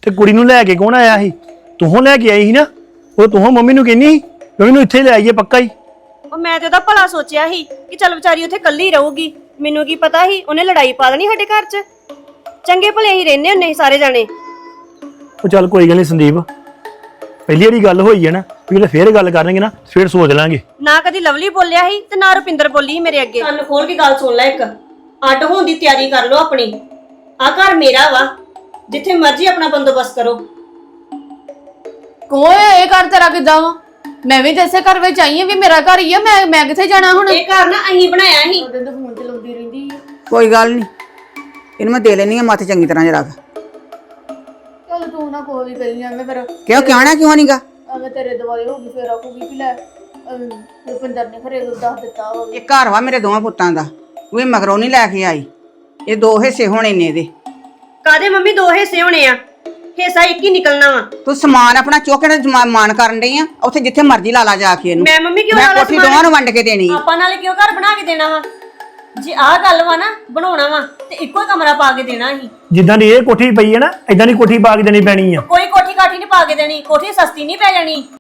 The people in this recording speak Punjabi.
ਤੇ ਕੁੜੀ ਨੂੰ ਲੈ ਕੇ ਕੌਣ ਆਇਆ ਸੀ? ਤੂੰ ਲੈ ਕੇ ਆਈ ਸੀ ਨਾ? ਉਹ ਤੂੰ ਮੰਮੀ ਨੂੰ ਕਹਿੰਦੀ ਸੀ ਮੰਮੀ ਨੂੰ ਇੱਥੇ ਲੈ ਆਈਏ ਪੱਕਾ ਹੀ। ਉਹ ਮੈਂ ਤੇ ਉਹਦਾ ਭਲਾ ਸੋਚਿਆ ਸੀ ਕਿ ਚੱਲ ਵਿਚਾਰੀ ਉੱਥੇ ਇਕੱਲੀ ਰਹੂਗੀ। ਮੈਨੂੰ ਕੀ ਪਤਾ ਸੀ ਉਹਨੇ ਲੜਾਈ ਪਾ ਦੇਣੀ ਸਾਡੇ ਘਰ 'ਚ। ਚੰਗੇ ਭਲੇ ਹੀ ਰਹਿੰਦੇ ਹੁੰਦੇ ਸੀ ਸਾਰੇ ਜਾਣੇ। ਉਹ ਚੱਲ ਕੋਈ ਗੱਲ ਨਹੀਂ ਸੰਦੀਪ, ਪਹਿਲੀ ਵਾਰੀ ਗੱਲ ਹੋਈ ਹੈ ਨਾ, ਵੀ ਫੇਰ ਗੱਲ ਕਰਾਂਗੇ ਨਾ, ਫੇਰ ਸੋਚ ਲਾਂਗੇ। ਨਾ ਕਦੀ ਲਵਲੀ ਬੋਲਿਆ ਸੀ ਤੇ ਨਾ ਰੁਪਿੰਦਰ ਬੋਲੀ ਸੀ ਮੇਰੇ ਅੱਗੇ। ਕੰਨ ਖੋਲ ਕੇ ਗੱਲ ਸੁਣ ਲੈ, ਇੱਕ ਅੱਡ ਹੋਣ ਦੀ ਤਿਆਰੀ ਕਰ ਲਓ ਆਪਣੀ। ਆ ਘਰ ਮੇਰਾ ਵਾ, ਜਿੱਥੇ ਮਰਜ਼ੀ ਆਪਣਾ ਬੰਦੋਬਸਤ ਕਰੋ। ਕੋਏ ਇਹ ਘਰ ਤੇਰਾ ਕਿੱਦਾਂ ਵਾ? ਮੈਂ ਵੀ ਜੈਸੇ ਘਰ ਵਿੱਚ ਆਈ ਆ, ਵੀ ਮੇਰਾ ਘਰ ਹੀ ਆ। ਮੈਂ ਕਿੱਥੇ ਜਾਣਾ ਹੁਣ? ਇਹ ਘਰ ਨਾ ਅਹੀਂ ਬਣਾਇਆ ਸੀ। ਉਹਦੇ ਤੋਂ ਫੋਨ ਚਲਾਉਂਦੀ ਰਹਿੰਦੀ ਆ। ਕੋਈ ਗੱਲ ਨਹੀਂ, ਇਹਨੂੰ ਮੈਂ ਦੇ ਲੈਣੀ ਆ ਮੱਥ ਚੰਗੀ ਤਰ੍ਹਾਂ ਜਰਾ। ਚੱਲ ਤੂੰ ਨਾ ਕੋਈ ਵੀ ਕਹੀ ਐਵੇਂ, ਫਿਰ ਕਿਉਂ ਕਹਿਣਾ ਕਿਉਂ ਨਹੀਂਗਾ? ਐਵੇਂ ਤੇਰੇ ਦੁਆਲੇ ਹੋ ਗਈ, ਫਿਰ ਆਖੂਗੀ ਕਿ ਲੈ ਰੁਪਿੰਦਰ ਨੇ ਖਰੇ ਦੱਸ ਦਿੱਤਾ ਹੋਵੇ। ਇਹ ਘਰ ਵਾ ਮੇਰੇ ਦੋਵਾਂ ਪੁੱਤਾਂ ਦਾ, ਉਹ ਵੀ ਮਗਰੋਂ ਨਹੀਂ ਲੈ ਕੇ ਆਈ। ਇਹ ਦੋ ਹਿੱਸੇ ਹੋਣੇ ਨੇ ਇਹਦੇ। ਕਾਦੇ ਮੰਮੀ ਦੋ ਹਿੱਸੇ ਹੋਣੇ ਆ? ਹਿੱਸਾ ਇੱਕ ਹੀ ਨਿਕਲਣਾ ਵਾ। ਤੂੰ ਸਮਾਨ ਆਪਣਾ ਚੁੱਕ ਕੇ ਮਾਨ ਕਰਨ ਡਈ ਆ, ਉੱਥੇ ਜਿੱਥੇ ਮਰਜ਼ੀ ਲਾ ਲਾ ਜਾ ਕੇ ਇਹਨੂੰ। ਮੈਂ ਮੰਮੀ ਕਿਉਂ ਮੈਂ ਵਾਲਾ ਕੋਠੀ ਦੋਵਾਂ ਨੂੰ ਵੰਡ ਕੇ ਦੇਣੀ ਆ। ਆਪਾਂ ਨਾਲੇ ਕਿਉਂ ਘਰ ਬਣਾ ਕੇ ਦੇਣਾ ਵਾ? ਜੇ ਆਹ ਗੱਲ ਵਾ ਨਾ ਬਣਾਉਣਾ ਵਾ ਤੇ ਇੱਕੋ ਹੀ ਕਮਰਾ ਪਾ ਕੇ ਦੇਣਾ ਸੀ। ਜਿੱਦਾਂ ਦੀ ਇਹ ਕੋਠੀ ਪਈ ਹੈ ਨਾ, ਏਦਾਂ ਦੀ ਕੋਠੀ ਪਾ ਕੇ ਦੇਣੀ ਪੈਣੀ ਆ। ਕੋਈ ਕੋਠੀ ਕਾਠੀ ਨਹੀਂ ਪਾ ਕੇ ਦੇਣੀ, ਕੋਠੀ ਸਸਤੀ ਨਹੀਂ ਪੈ ਜਾਣੀ।